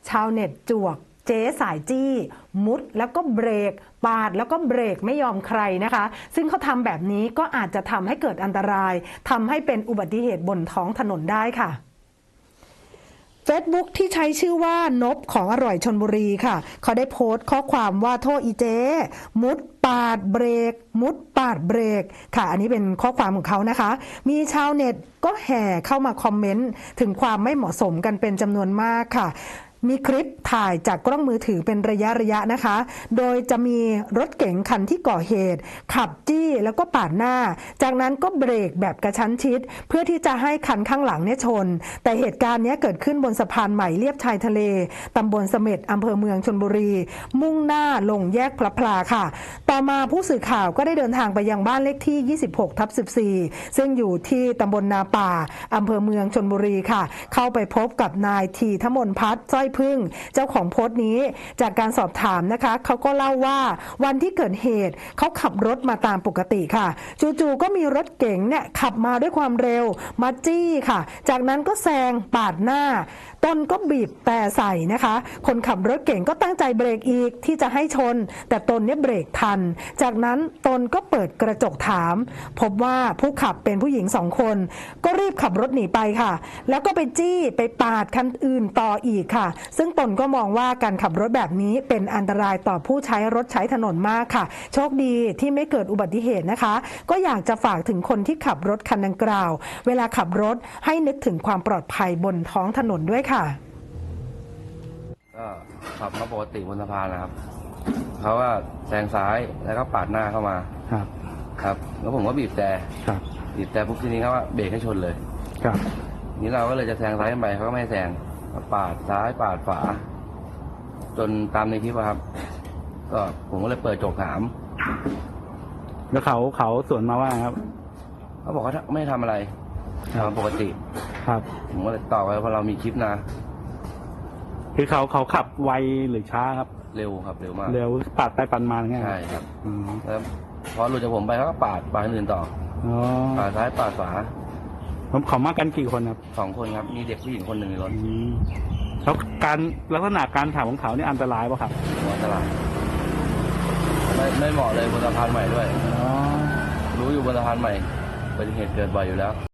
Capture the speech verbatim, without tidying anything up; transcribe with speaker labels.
Speaker 1: ชาวเน็ตจวกเจ๊สายจี้ มุดแล้วก็เบรกปาดแล้วก็เบรกไม่ยอมใครนะคะซึ่งเขาทำแบบนี้ก็อาจจะทำให้เกิดอันตรายทำให้เป็นอุบัติเหตุบนท้องถนนได้ค่ะเฟซบุ๊กที่ใช้ชื่อว่านบของอร่อยชลบุรีค่ะเขาได้โพสต์ข้อความว่าโทษอีเจ๊มุดปาดเบรกมุดปาดเบรกค่ะอันนี้เป็นข้อความของเขานะคะมีชาวเน็ตก็แห่เข้ามาคอมเมนต์ถึงความไม่เหมาะสมกันเป็นจำนวนมากค่ะมีคลิปถ่ายจากกล้องมือถือเป็นระยะระยะนะคะโดยจะมีรถเก๋งคันที่ก่อเหตุขับจี้แล้วก็ปาดหน้าจากนั้นก็เบรกแบบกระชั้นชิดเพื่อที่จะให้คันข้างหลังเนี่ยชนแต่เหตุการณ์นี้เกิดขึ้นบนสะพานใหม่เลียบชายทะเลตำบลเสม็ดอำเภอเมืองชลบุรีมุ่งหน้าลงแยกพระพลาค่ะต่อมาผู้สื่อข่าวก็ได้เดินทางไปยังบ้านเลขที่ ยี่สิบหกทับสิบสี่ ซึ่งอยู่ที่ตำบลนาป่าอำเภอเมืองชลบุรีค่ะเข้าไปพบกับนายทีทมนพัฒน์สร้อยพึ่งเจ้าของโพสต์นี้จากการสอบถามนะคะเขาก็เล่าว่าวันที่เกิดเหตุเขาขับรถมาตามปกติค่ะจู่ๆก็มีรถเก๋งเนี่ยขับมาด้วยความเร็วมาจี้ค่ะจากนั้นก็แซงปาดหน้าตนก็บีบแต่ใส่นะคะคนขับรถเก๋งก็ตั้งใจเบรกอีกที่จะให้ชนแต่ตนเนี่ยเบรกทันจากนั้นตนก็เปิดกระจกถามพบว่าผู้ขับเป็นผู้หญิงสองคนก็รีบขับรถหนีไปค่ะแล้วก็ไปจี้ไปปาดคันอื่นต่ออีกค่ะซึ่งตนก็มองว่าการขับรถแบบนี้เป็นอันตรายต่อผู้ใช้รถใช้ถนนมากค่ะโชคดีที่ไม่เกิดอุบัติเหตุนะคะก็อยากจะฝากถึงคนที่ขับรถคันดังกล่าวเวลาขับรถให้นึกถึงความปลอดภัยบนท้องถนนด้วยค่ะ
Speaker 2: ก็ขับมาปกติบนสะพานนะครับเขาว่าแซงซ้ายแล้วก็ปาดหน้าเข้ามาครับครับแล้วผมก็บีบแต่ครับบีบแต่ปุ๊บทีนี้เขาว่าเบรกให้ชนเลยครับนี้เราก็เลยจะแซงซ้ายไปเขาก็ไม่แซงปาดซ้ายปาดขวาจนตามในคลิปครับก็ผมก็เลยเปิดโจกถาม
Speaker 3: แล้วเขาเขาสวนมาว่าครับ
Speaker 2: เขาบอกว่าไม่ทำอะไรทำปกติ
Speaker 3: ครับ
Speaker 2: ผมก็เลยตอบไปเพราะเรามีคลิปนะ
Speaker 3: คือเขาเขาขับไวหรือช้าครับ
Speaker 2: เร็วครับเร็วมาก
Speaker 3: เร็วปาดไปปาดมาไง
Speaker 2: ใช่ครับแล้วพอหลุดจากผมไปเขาก็ปาดปาดอื่นต่อปาดซ้ายปาดขวา
Speaker 3: ผมเขามากันกี่คนครับ
Speaker 2: สองคนครับมีเด็กผู้หญิงคนหนึ่งในรถ
Speaker 3: แล้วการลักษณะการขับของเขานี่อันตรายป่ะครับ
Speaker 2: อันตรายไม่ไม่เหมาะเลยบนสะพานใหม่ด้วยรู้อยู่บนสะพานใหม่เป็นเหตุเกิดบ่อยอยู่แล้ว